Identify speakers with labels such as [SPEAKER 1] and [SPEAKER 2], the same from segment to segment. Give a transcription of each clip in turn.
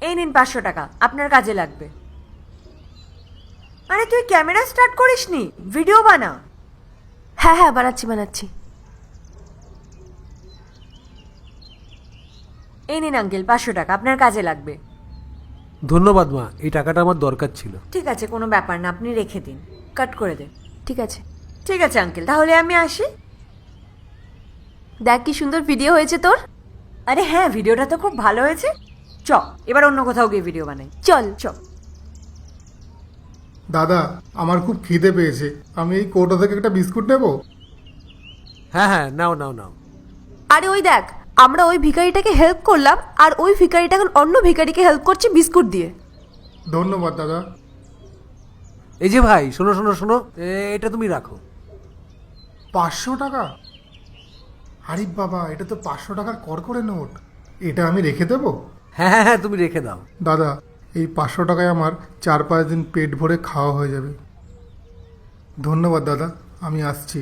[SPEAKER 1] এই নিন 500 টাকা, আপনার কাজে লাগবে। আরে তুই ক্যামেরা স্টার্ট করিসনি, ভিডিও বানা।
[SPEAKER 2] হ্যাঁ হ্যাঁ বানাচ্ছি।
[SPEAKER 1] এই নিন আঙ্কেল 500 টাকা, আপনার কাজে লাগবে।
[SPEAKER 3] ধন্যবাদ মা, এই টাকাটা আমার দরকার ছিল।
[SPEAKER 1] ঠিক আছে, কোনো ব্যাপার না, আপনি রেখে দিন, কাট করে দেন।
[SPEAKER 2] ঠিক আছে।
[SPEAKER 1] ঠিক আছে আঙ্কেল, তাহলে আমি আসি।
[SPEAKER 2] দেখ কি সুন্দর ভিডিও হয়েছে তোর।
[SPEAKER 1] আরে হ্যাঁ, ভিডিওটা তো খুব ভালো হয়েছে। চ এবার অন্য কোথাও গিয়ে ভিডিও বানাই।
[SPEAKER 2] চল।
[SPEAKER 1] চ।
[SPEAKER 4] দাদা, আমার খুব খিদে পেয়েছে, আমি এই কৌটো থেকে একটা বিস্কুট নেব?
[SPEAKER 3] হ্যাঁ হ্যাঁ, নাও নাও নাও।
[SPEAKER 2] আরে ওই দেখ, আমরা ওই ভিখারিটাকে হেল্প করলাম আর ওই ভিখারিটা এখন অন্য ভিখারিকে হেল্প করছে বিস্কুট দিয়ে।
[SPEAKER 4] ধন্যবাদ দাদা।
[SPEAKER 3] এই যে ভাই, শোনো শোনো শোনো, এটা তুমি রাখো।
[SPEAKER 4] 500 টাকা? আরে বাবা, এটা তো 500 টাকার কড়কড়ে নোট। এটা আমি রেখে দেবো?
[SPEAKER 3] হ্যাঁ হ্যাঁ হ্যাঁ, তুমি রেখে দাও।
[SPEAKER 4] দাদা, এই 500 টাকায় আমার 4-5 দিন পেট ভরে খাওয়া হয়ে যাবে। ধন্যবাদ দাদা, আমি আসছি।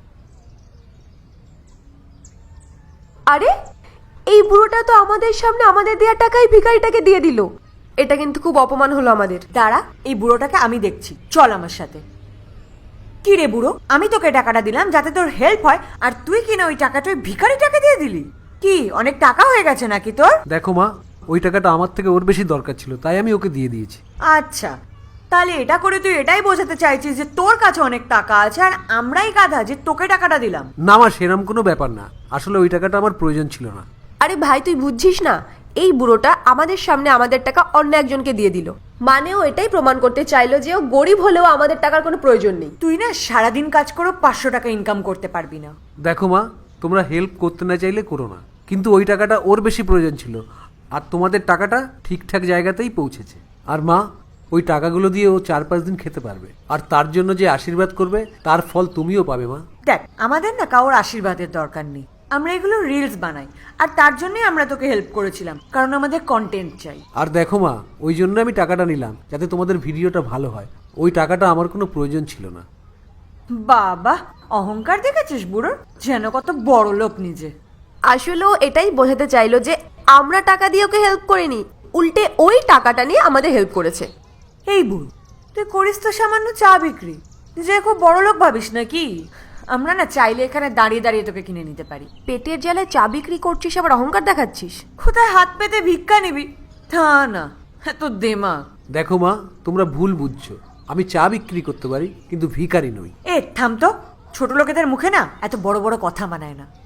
[SPEAKER 2] আরে এই বুড়োটা তো আমাদের সামনে আমাদের দেওয়া টাকাই ভিখারিটাকে দিয়ে দিল। এটা কিন্তু খুব অপমান হলো আমাদের।
[SPEAKER 1] দাঁড়া, এই বুড়োটাকে আমি দেখছি, চল আমার সাথে। কি রে বুড়ো, আমি তোকে টাকাটা দিলাম যাতে তোর হেল্প হয়, আর তুই কিনা ওই টাকাটা ওই ভিখারিটাকে দিয়ে দিলি? কি অনেক টাকা হয়ে গেছে নাকি তোর?
[SPEAKER 3] দেখো মা, ওই টাকাটা আমার থেকে ওর বেশি দরকার ছিল, তাই আমি ওকে দিয়ে দিয়েছি।
[SPEAKER 1] আচ্ছা, তাহলে এটা করে তুই এটাই বোঝাতে চাইছিস যে তোর কাছে অনেক টাকা আছে আর আমরাই গাধা যে তোকে টাকাটা দিলাম?
[SPEAKER 3] না মা, সেরম কোনো ব্যাপার না, আসলে ওই টাকাটা আমার প্রয়োজন ছিল না।
[SPEAKER 2] আরে ভাই তুই বুঝছিস না, এই বুড়োটা আমাদের সামনে আমাদের টাকা অন্য একজনকে দিয়ে দিল। মানে ও এটাই প্রমাণ করতে চাইলো যে ও গরিব হলেও আমাদের টাকার কোনো প্রয়োজন নেই।
[SPEAKER 1] তুই না সারাদিন কাজ করে 500 টাকা ইনকাম করতে পারবি না।
[SPEAKER 3] দেখো মা, তোমরা হেল্প করতে না চাইলে করো না, কিন্তু ওই টাকাটা ওর বেশি প্রয়োজন ছিল, আর তোমাদের টাকাটা ঠিকঠাক জায়গাতেই পৌঁছেছে। আর মা, ওই টাকাগুলো দিয়ে ও 4-5 দিন খেতে পারবে, আর তার জন্য যে আশীর্বাদ করবে তার ফল তুমিও পাবে মা।
[SPEAKER 1] দেখ, আমাদের না কারোর আশীর্বাদের দরকার নেই, আমরা এগুলো রিলস বানাই, আর তার জন্যই আমরা তোকে হেল্প করেছিলাম, কারণ আমাদের কন্টেন্ট চাই।
[SPEAKER 3] আর দেখো মা, ওই জন্য আমি টাকাটা নিলাম যাতে তোমাদের ভিডিওটা ভালো হয়, ওই টাকাটা আমার কোনো প্রয়োজন ছিল না।
[SPEAKER 1] বাবা, অহংকার দেখেছিস বুড়োর, যেন কত বড় লোক নিজে।
[SPEAKER 2] আসলে ও এটাই বোঝাতে চাইলো যে আমরা টাকা দিয়ে ওকে হেল্প করিনি, উল্টে ওই টাকাটা নিয়ে আমাদের হেল্প করেছে।
[SPEAKER 1] এই বুড়ো, তুই করিস তো সামান্য চা বিক্রি, তুই যে খুব বড় লোক ভাবিস নাকি? আমরা না চাইলে এখানে দাঁড়িয়ে দাঁড়িয়ে তোকে কিনে নিতে পারি।
[SPEAKER 2] পেটের জ্বালায় চা বিক্রি করছিস আবার অহংকার দেখাচ্ছিস?
[SPEAKER 1] কোথায় হাত পেতে ভিক্ষা নিবি? তা না, তো দেমাগ।
[SPEAKER 3] দেখো মা, তোমরা ভুল বুঝছো, আমি চা বিক্রি করতে পারি কিন্তু ভিখারি নই।
[SPEAKER 1] এ থাম তো, ছোট লোকেদের মুখে না এত বড় বড় কথা মানায় না।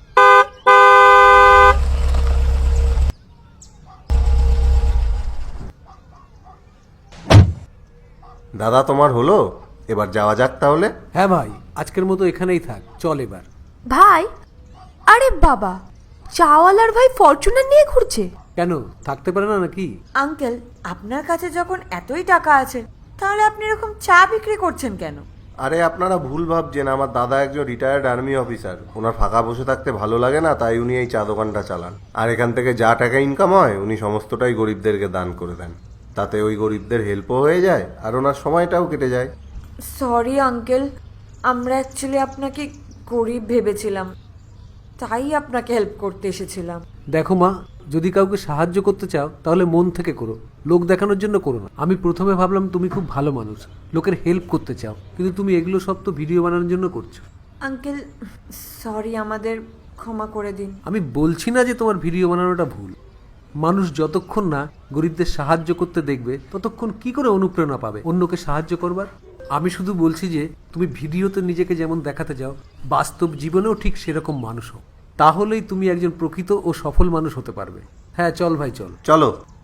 [SPEAKER 5] দাদা, তোমার হলো? এবার যাওয়া যাক তাহলে।
[SPEAKER 3] হ্যাঁ ভাই, আজকের মতো এখানেই থাক, চল এবার।
[SPEAKER 2] ভাই, আরে বাবা, চাওয়ালার ভাই ফরচুনার নিয়ে ঘুরছে।
[SPEAKER 3] কেন, থাকতে পারে না নাকি?
[SPEAKER 1] আঙ্কেল, আপনার কাছে যখন এতই টাকা আছে, তাহলে আপনি এরকম চা বিক্রি করছেন কেন?
[SPEAKER 5] আরে আপনারা ভুল ভাবছেন, আমার দাদা একজন রিটায়ার্ড আর্মি অফিসার, ওনার ফাঁকা বসে থাকতে ভালো লাগে না, তাই উনি এই চা দোকানটা চালান। আর এখান থেকে যা টাকা ইনকাম হয় উনি সমস্তটাই গরিবদেরকে দান করে দেন, তাতে ওই গরিবদের হেল্পও হয়ে যায় আর ওনার সময়টাও কেটে যায়।
[SPEAKER 1] সরি আঙ্কেল, আমরা অ্যাকচুয়ালি আপনাকে গরিব ভেবেছিলাম, তাই আপনাকে হেল্প করতে এসেছিলাম।
[SPEAKER 3] দেখো মা, যদি কাউকে সাহায্য করতে চাও তাহলে মন থেকে করো, লোক দেখানোর জন্য করো না। আমি প্রথমে ভাবলাম তুমি খুব ভালো মানুষ, লোকের হেল্প করতে চাও, কিন্তু তুমি এগুলো সব তো ভিডিও বানানোর জন্য করছো।
[SPEAKER 1] আঙ্কেল সরি, আমাদের ক্ষমা করে দিন।
[SPEAKER 3] আমি বলছি না যে তোমার ভিডিও বানানোটা ভুল, মানুষ যতক্ষণ না গরিবদের সাহায্য করতে দেখবে ততক্ষণ কি করে অনুপ্রেরণা পাবে অন্যকে সাহায্য করবার? আমি শুধু বলছি যে তুমি ভিডিওতে নিজেকে যেমন দেখাতে চাও, বাস্তব জীবনেও ঠিক সেরকম মানুষ হও, তাহলেই তুমি একজন প্রকৃত ও সফল মানুষ হতে পারবে। হ্যাঁ চল ভাই, চল।
[SPEAKER 5] চলো।